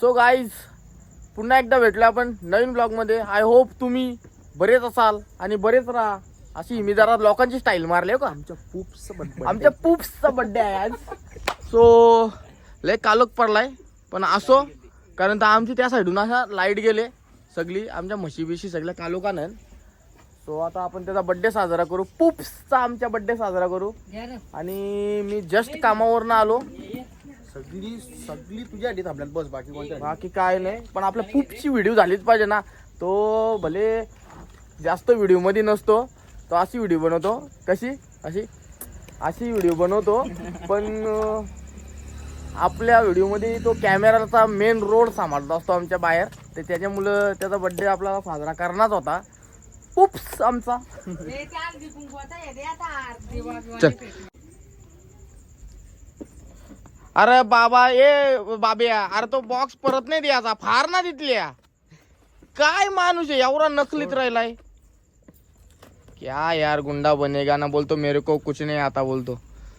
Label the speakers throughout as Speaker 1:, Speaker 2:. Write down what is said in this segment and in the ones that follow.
Speaker 1: So guys पुन्हा एकदा भेटलो आपण नवीन ब्लॉगमध्ये. आय होप तुम्ही बरेच असाल आणि बरेच राहा. अशी मी जरा लोकांची स्टाईल मारली का. आमच्या पुप्सचा बड्डे आहे आज. सो लय कालोख पडलाय पण असो, कारण तर आमची त्या साईडून असा लाईट गेले सगळी आमच्या म्हशी बिशी सगळ्या कालोखानं. सो आता आपण त्याचा बड्डे साजरा करू, पुप्सचा आमच्या बड्डे साजरा करू. आणि मी जस्ट कामावरनं आलो.
Speaker 2: सगळी तुझ्या आधी थांबल्यात बस, बाकी कोणत्या
Speaker 1: बाकी काय नाही, पण आपल्या पुप्सची व्हिडिओ झालीच पाहिजे ना. तो भले जास्त व्हिडिओ मध्ये नसतो, तो अशी व्हिडिओ बनवतो. कशी अशी व्हिडिओ बनवतो. पण आपल्या व्हिडिओमध्ये तो कॅमेराचा मेन रोल सांभाळत असतो आमच्या बाहेर. तर त्याच्यामुळं त्याचा बड्डे आपल्याला साजरा करणारच होता पुप्स आमचा. चल. अरे बाबा बाब्या, अरे तो बॉक्स परत नाही द्यायचा, फार ना तिथल्या. काय माणूस आहे एवढा नकलीत राहिलाय. क्या यार गुंडा बनेगा ना, बोलतो मेरे को कुछ नहीं आता बोलतो.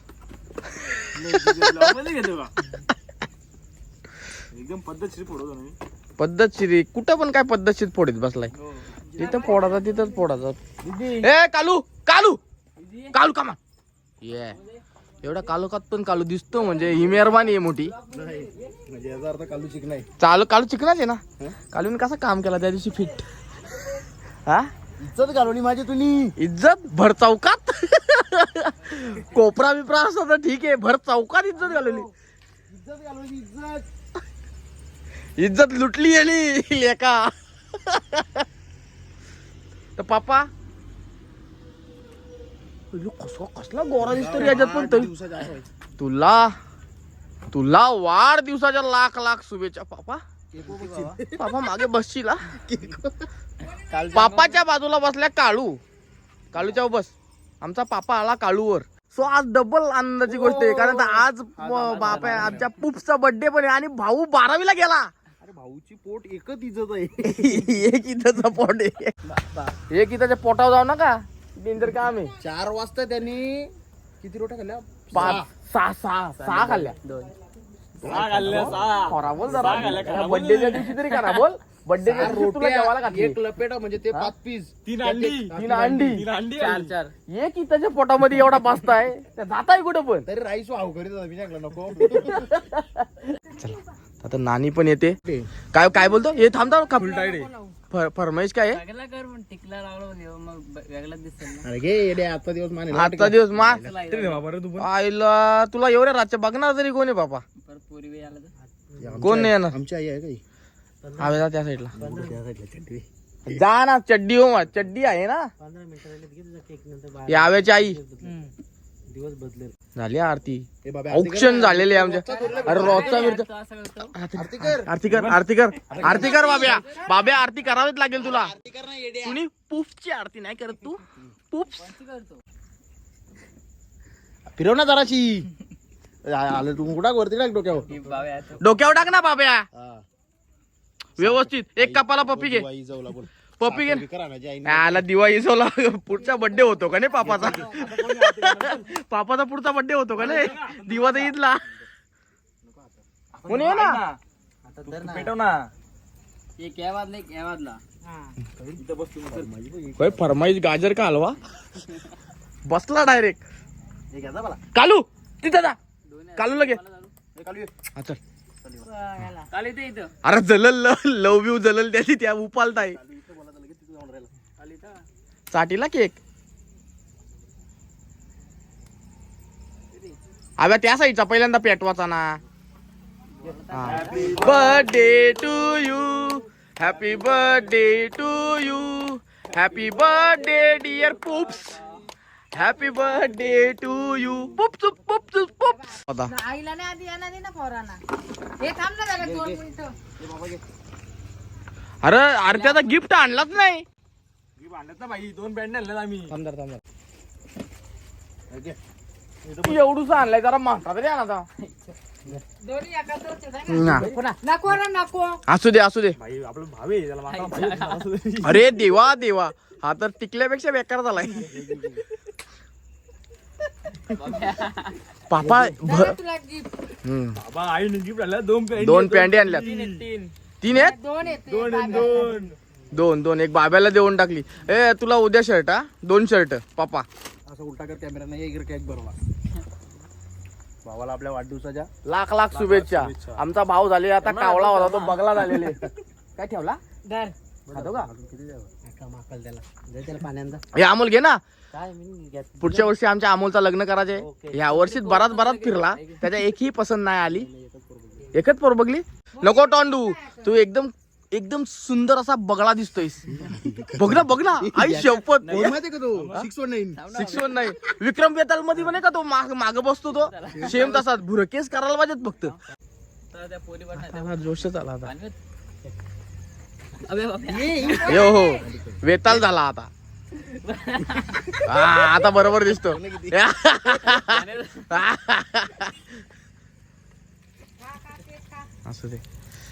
Speaker 2: एकदम पद्धतशीर फोडतो ना.
Speaker 1: पद्धतशीर कुठं पण काय पद्धतशीर फोडीत बसलाय. तिथं फोडाचा तिथंच फोडाचा. ए कालू कालू कालू कामा ये एवढा कालोखात पण कालू दिसतो म्हणजे ही मेहरबानी आहे मोठी.
Speaker 2: म्हणजे याचा अर्थ कालू चिकनाय.
Speaker 1: कालू चिकनाच आहे ना. कालूने कसं काम केला त्या दिवशी फिट. हा
Speaker 2: इज्जत घालवली माझी तुम्ही.
Speaker 1: इज्जत भर चौकात. कोपरा बिपरा असं तर ठीक आहे, भर चौकात इज्जत घालवली. इज्जत लुटली गेली लेका. तर पापा कसला गोरा दिसतो रे याच्यात. पण तरी तुला वाढदिवसाच्या लाख लाख शुभेच्छा पापा. पापा मागे बसशील. पापाच्या बाजूला बसल्या काळूच्या बस. आमचा पापा आला काळूवर. सो आज डबल आनंदाची गोष्ट आहे, कारण आज बापा आमच्या पुप्सचा बर्थडे पण आहे आणि भाऊ 12वीला गेला.
Speaker 2: अरे भाऊची पोट एकच इज्जत आहे.
Speaker 1: एक इथंचा पोट आहे. एक इथंच्या पोटावर जाऊ नका, डेंजर काम आहे.
Speaker 2: 4 वाजता त्यांनी किती रोट्या खाल्ल्या?
Speaker 1: 6 खाल्ल्या. खरा बोल जरा, बर्थडेच्या दिवशी तरी करा बोल. बर्थडेच्या दिवशी तुला जेवायला घातली.
Speaker 2: एक लपेटा म्हणजे ते 5 पीस.
Speaker 1: 3 अंडी 4 एक इथंच्या पोटामध्ये एवढा बसताय, त्या जाताय कुठं पण.
Speaker 2: तरी राईस वाव करीत होता मी सांगला नको.
Speaker 1: चला आता नानी पण येते. काय बोलतो हे थांबता का. फरमाईश काय आहे.
Speaker 2: अरे घे येडे, आजचा दिवस माने.
Speaker 1: आजचा दिवस आईला तुला एवढ्या रातच्या बघणार तरी कोण आहे बापा. कोण नाही येणार.
Speaker 2: आमची आई आहे काही
Speaker 1: हवे जा त्या साईडला. जा ना, चड्डी हो चड्डी आहे ना. याव्याची आई
Speaker 2: दिवस बदलेल.
Speaker 1: झाली आरती. औक्षण झालेले आमच्या. अरे रोजचा आरती कर बाब्या आरती करावीच लागेल तुला. तुम्ही पुप्सची आरती नाही करत तू. पुप्स
Speaker 2: फिरव ना जराशी. आलं तू कुठं वरती टाक
Speaker 1: डोक्यावर टाक ना बाब्या व्यवस्थित. एक कपाला पप्पी घे. पप्पी घे. आला दिवाळी सोला. पुढचा बर्थडे होतो का नाही पापाचा. पापाचा पुढचा बर्थडे होतो का नाही. दिवा तर ईदला कोणी ना पेटव ना. फरमाईश गाजर का हलवा बसला डायरेक्ट. कालू तिथं जा. कालू लगे. चल. अरे जलल लव यू जलल त्याची त्या उपालताय. चाटीला केक. अबे त्या साईडचा पहिल्यांदा पेटवाचा ना. Birthday to you, happy birthday to you, happy birthday dear Pups, happy birthday to you. Pups Pups Pups.
Speaker 3: आईला नाही आधी येणार ना पोरांना. हे थांब ना जरा 2 मिनिटं.
Speaker 1: अरे त्याचा गिफ्ट आणलाच नाही.
Speaker 2: आणलं ना भाई, 2 बँड आणलं आम्ही.
Speaker 1: थांब एवढूच आणलाय, जरा मागता तरी आणा.
Speaker 3: दोन्ही नको नको.
Speaker 1: असू दे
Speaker 2: भाई आपलं भावे त्याला मागं.
Speaker 1: अरे देवा हा तर टिकल्यापेक्षा बेकार झालाय. पापा
Speaker 3: जरा तुला gift.
Speaker 4: बाबा आईने गिफ्ट आणला 2 पॅन्ट.
Speaker 1: 2 पॅन्टी आणल्यात. 3 आहेत.
Speaker 3: 2 येते
Speaker 4: 2
Speaker 1: एक बाब्याला देऊन टाकली. ए तुला उद्या शर्ट हा 2 शर्ट पापा.
Speaker 2: असं उलटा कर कॅमेरा नाही एक केक बरोबर भावाला आपल्या वाढदिवसाच्या
Speaker 1: लाख लाख शुभेच्छा. आमचा भाव झाले आता कावळा होता तो बगला झालेले. काय ठेवला
Speaker 3: धर.
Speaker 1: खातो का
Speaker 2: अजून किती द्यावं माकल त्याला दे त्याला पाण्यांचा
Speaker 1: हे अमोल घे ना.
Speaker 2: काय मी घेत
Speaker 1: पुढच्या वर्षी आमच्या अमोलचा लग्न करायचे. या वर्षीत बराच फिरला त्याच्या एकही पसंत नाही आली. एकच पोर बघली. नको टोंडू तू एकदम सुंदर असा बगळा दिसतोयस. बघ ना आई शपथ.
Speaker 2: माहिती का तू 619
Speaker 1: 619 विक्रम बेताल मध्ये म्हणे का तो माग बसतो तो सेम तसाच भुरकेस करायला पाहिजेत फक्त. आता जोशच आला आता. यो हो वेताल झाला आता. आता बरोबर दिसतो. असू दे.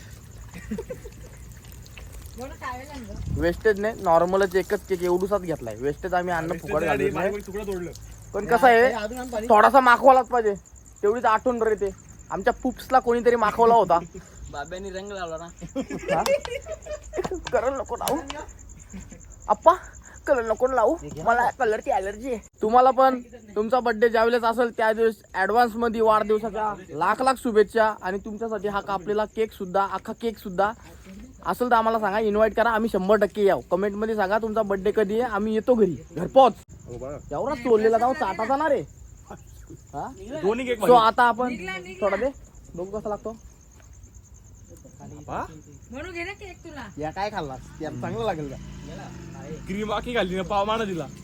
Speaker 3: म्हणून काय लागलं?
Speaker 1: वेस्टेज नाही नॉर्मलच एकच केक एवढूसाच घेतलाय. वेस्टेज आम्ही अन्न फुकट घालत नाही.
Speaker 4: तुकडा तोडलं.
Speaker 1: पण कसं आहे थोडासा माखवालाच पाहिजे. तेवढीच आठवण राहते. आमच्या पुप्सला कोणीतरी माखवला होता.
Speaker 5: बाब्यानी रंग लावला ना.
Speaker 1: कलर नको लावू आप्पा. कलर नको लावू मला कलरची अलर्जी आहे. तुम्हाला पण तुमचा बर्थडे ज्यावेळेस असेल त्या दिवस ऍडव्हान्स मध्ये वाढदिवसाच्या लाख लाख शुभेच्छा. आणि तुमच्यासाठी हा कापलेला केक सुद्धा अख्खा केक सुद्धा असेल तर आम्हाला सांगा. इन्व्हाइट करा. आम्ही 100% याव. कमेंट मध्ये सांगा तुमचा बर्थडे कधी आहे. आम्ही येतो घरी घरपोच. एवढा चोरलेला जाऊ चाटा जाणार आहे.
Speaker 4: दोन्ही केक
Speaker 1: सो आता आपण थोडा दे बघू कसा लागतो.
Speaker 3: म्हणून घे ना केक तुला.
Speaker 2: या काय खाल्ला चांगलं लागेल का
Speaker 4: क्रीम बाकी घालली ना पाव माना दिला.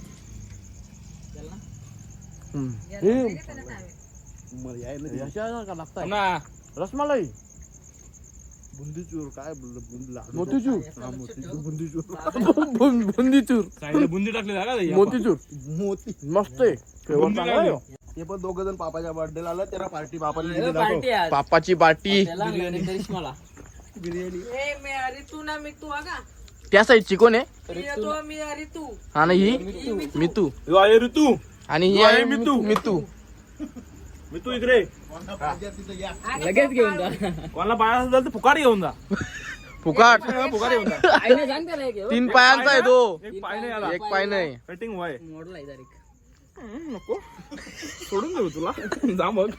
Speaker 2: मला याय ना
Speaker 1: लागतं
Speaker 4: ना
Speaker 1: रसमलाई
Speaker 2: बुंदीचूर काय बोललं लाडू
Speaker 1: मोतीचूर
Speaker 2: बुंदीचूर
Speaker 1: बुंदीचूर
Speaker 4: साईडला बुंदी टाकली का ते?
Speaker 1: मोतीचूर
Speaker 2: मोती
Speaker 1: मस्त आहे. Flavor
Speaker 4: बुंदी
Speaker 1: चांगला आहे.
Speaker 4: लागली.
Speaker 2: ते पण दोघ जण पापाच्या बर्थडे आला त्याला पार्टी बापाने दिली दाखव.
Speaker 5: पार्टी आज.
Speaker 1: पापाची पार्टी
Speaker 5: त्याला आणि करिश्माला.
Speaker 2: बिर्याणी
Speaker 3: ए मी रितू ना मी तू अगा.
Speaker 1: त्या साईडची कोण आहे.
Speaker 3: मी येतो मी रितू.
Speaker 1: आणि ही मितू
Speaker 4: यो आहे ऋतू.
Speaker 1: आणि ही
Speaker 4: यो आहे
Speaker 1: आहे
Speaker 4: मितू.
Speaker 1: मितू.
Speaker 4: मी तू इकडे
Speaker 5: लगेच घेऊन जा.
Speaker 4: कोणाला पाया असेल तर फुकाट घेऊन जा.
Speaker 1: फुकाट
Speaker 4: फुकाट घेऊन जा.
Speaker 5: आईने सांग त्याला एक घेऊ.
Speaker 1: 3 पायांचा आहे तो.
Speaker 4: एक पाय नाही आला.
Speaker 1: एक पाय नाही.
Speaker 4: Cutting why.
Speaker 5: मोडलाय डायरेक्ट.
Speaker 4: नको सोडून देऊ तुला. जा मग.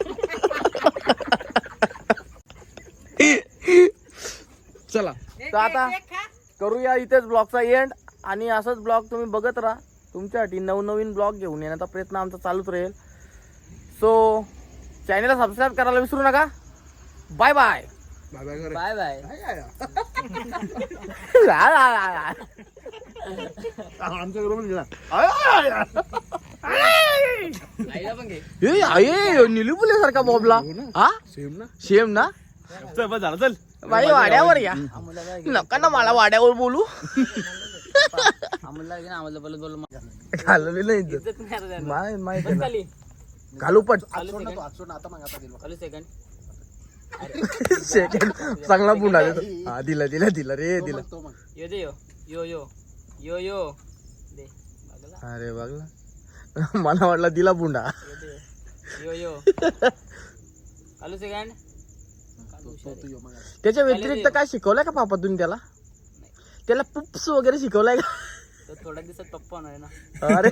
Speaker 1: चला
Speaker 3: ए,
Speaker 1: तर आता
Speaker 3: केक खा.
Speaker 1: करूया इथेच ब्लॉगचा एंड. आणि असंच ब्लॉग तुम्ही बघत राहा. तुमच्यासाठी नवनवीन ब्लॉग घेऊन येण्याचा प्रयत्न आमचा चालूच राहील. सो चॅनलला सबस्क्राईब करायला विसरू नका. Bye bye.
Speaker 5: Bye bye.
Speaker 2: आमच्या बरोबर गेला
Speaker 5: आईला पण घे.
Speaker 1: निलुपुले सारखा बॉबला. हा
Speaker 2: सेम ना
Speaker 1: सेम ना.
Speaker 4: चल बस झालं चल.
Speaker 1: बाई वाड्यावर या. नका ना मला वाड्यावर बोलू.
Speaker 5: आम्हाला घे ना आम्हाला बोलत बोलत.
Speaker 1: घालवली नाही
Speaker 5: इज्जत नाही आता त्यांना.
Speaker 1: माहिती
Speaker 5: बस खाली.
Speaker 1: घालू पण
Speaker 2: आजसोड ना तू आजसोड ना आता मग आता दिलं
Speaker 5: खाली सेकंड.
Speaker 1: सेकंड चांगला पुन्हा देतो. हा दिला रे दिला.
Speaker 2: तो मग
Speaker 5: यो दे यो यो यो यो यो दे बघला.
Speaker 1: अरे बघला मला वाटला दिला बुंडा.
Speaker 5: यो यो खाली सेकंड.
Speaker 2: तू यो मग आता.
Speaker 1: त्याच्या व्यतिरिक्त काय शिकवलंय का पापा तुम्ही त्याला. त्याला पुप्स वगैरे शिकवलंय का.
Speaker 5: तर थोड्या दिवसात पप्पा होणार आहे ना.
Speaker 1: अरे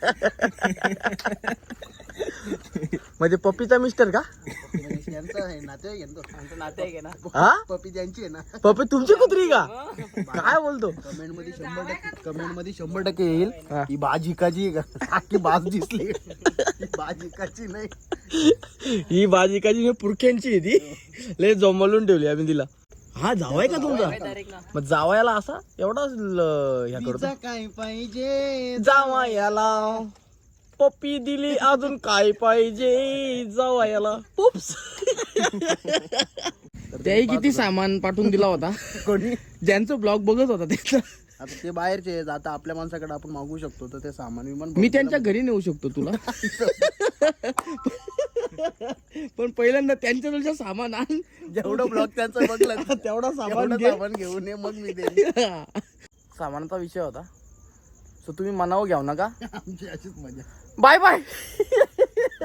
Speaker 1: म्हणजे पप्पीचा मिस्टर का.
Speaker 2: यांचं आहे नातेवाईक आहे ना तो.
Speaker 5: आमचं नाते आहे ना.
Speaker 1: हा
Speaker 2: पप्पी त्यांची आहे ना.
Speaker 1: पप्पी तुमची कुत्री का. काय बोलतो.
Speaker 2: कमेंट मध्ये 100% येईल ही बाज हिकाची की बाज दिसली बाज हिकाची नाही.
Speaker 1: ही भाजी पुरख्यांची आहे ती. लय जमवलून ठेवली आम्ही तिला. हा जावाय का तुमचा.
Speaker 5: डायरेक्ट ना.
Speaker 1: मग जावायला असा एवढा ह्या करतो.
Speaker 2: तिचा काय पाहिजे
Speaker 1: जावायला पप्पी दिली अजून काय पाहिजे जावायला. पुप्स. त्याही किती सामान पाठवून दिला होता.
Speaker 2: कोणी
Speaker 1: ज्यांचं ब्लॉग बघत होता त्याचा.
Speaker 2: आता ते बाहेरचे आहेत. आता आपल्या माणसाकडे आपण मागू शकतो तर ते सामान विमान
Speaker 1: मी त्यांच्या घरी नेऊ शकतो तुला. पण पहिल्यांदा त्यांच्या तुझ्या सामान आण.
Speaker 2: जेवढं ब्लॉग त्यांचं बघलं
Speaker 1: तेवढा सामान
Speaker 2: तेवढं
Speaker 1: घे.
Speaker 2: सामान घेऊन ये मग मी देईन.
Speaker 1: सामानाचा विषय होता. सो तुम्ही मनावर घ्याव नका.
Speaker 2: आमची अशीच मजा.
Speaker 1: Bye bye.